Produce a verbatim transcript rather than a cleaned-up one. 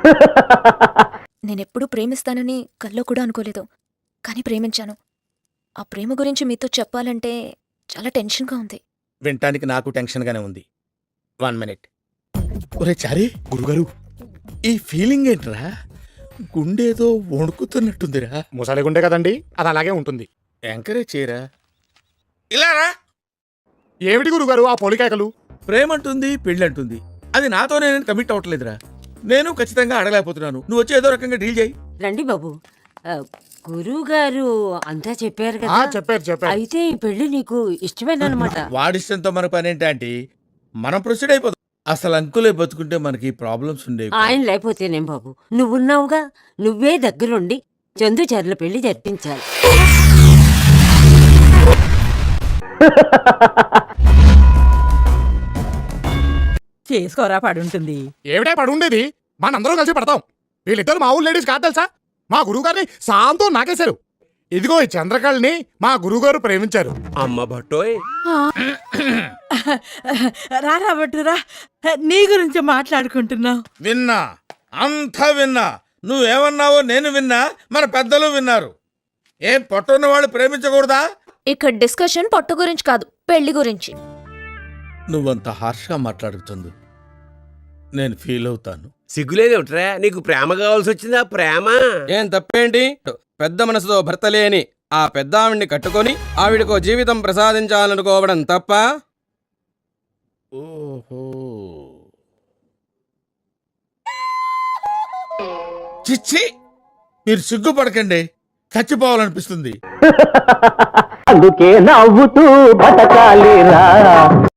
నేనెప్పుడు ప్రేమిస్తానని కల్లో కూడా అనుకోలేదు, కానీ ప్రేమించాను. ఆ ప్రేమ గురించి మీతో చెప్పాలంటే చాలా టెన్షన్గా ఉంది. వినటానికి నాకు టెన్షన్గానే ఉంది. One minute. ఒరే చారీ, గురుగారు ఈ ఫీలింగ్ ఏంట్రా? గుండేదో వణుకుతున్నట్టుందిరా. ముసలి గుండె కదండి, అది అలాగే ఉంటుంది. ఎంకరేజ్ చేయరా. ఇలా రా. ఏమిటి గురుగారు ఆ పోలికేకలు? ప్రేమంటుంది, పెళ్ళంటుంది. అది నాతో నేను కమిట్ అవ్వట్లేదురా. నేను ఖచ్చితంగా అడగలేకపోతున్నాను. నువ్వు వచ్చి ఏదో రకంగా డీల్ చేయి. రండి బాబు. గురువు గారు అంతా చెప్పారు ఆ, కదా. చెప్పారు చెప్పారు. అయితే ఈ పెళ్లి నీకు ఇష్టమేనమాట. వాడిష్టంతో మన పని ఏంటంటే మనం ప్రొసీడ్ అయిపోతాం. అసలు అంకులే బతుకుంటే మనకి ప్రాబ్లమ్స్ ఉండేవి. ఆయన లేకపోతేనేం బాబు, నువ్వున్నావుగా, నువ్వే దగ్గరుండి చందుచర్ల పెళ్లి జరిపించాలి. చేసుకోరా పడుంటుంది. ఏమిటే పడుండేది? మనందరం కలిసి పడతాం. వీళ్ళిద్దరు మా ఊళ్ళో లేడీస్ కాదు తెలుసా? మా గురువు గారిని సాంతో నాకేశారు. ఇదిగో ఈ చంద్రకళని మా గురువుగారు ప్రేమించారు. అమ్మ భట్టోయ్, రారా బట్టురా, నీ గురించి మాట్లాడుకుంటున్నావు. విన్నా, అంతా విన్నా. నువ్వేమన్నావో నేను విన్నా, మన పెద్దలు విన్నారు. ఏం పొట్టున్న వాళ్ళు ప్రేమించకూడదా? ఇక్కడ డిస్కషన్ పొట్ట గురించి కాదు, పెళ్లి గురించి. నువ్వంత హార్ష్గా మాట్లాడుతుంది నేను ఫీల్ అవుతాను. సిగ్గులేదేమిట్రా? నీకు ప్రేమ కావాల్సి వచ్చిందా? ప్రేమ ఏం తప్పేంటి? పెద్ద మనసుతో భర్త లేని ఆ పెద్ద ఆవిడ్ని కట్టుకొని ఆవిడకో జీవితం ప్రసాదించాలనుకోవడం తప్ప? ఓహో, చిచ్చి, మీరు సిగ్గుపడకండి. చచ్చిపోవాలనిపిస్తుంది. అందుకే నవ్వుతూ బతకాలిరా.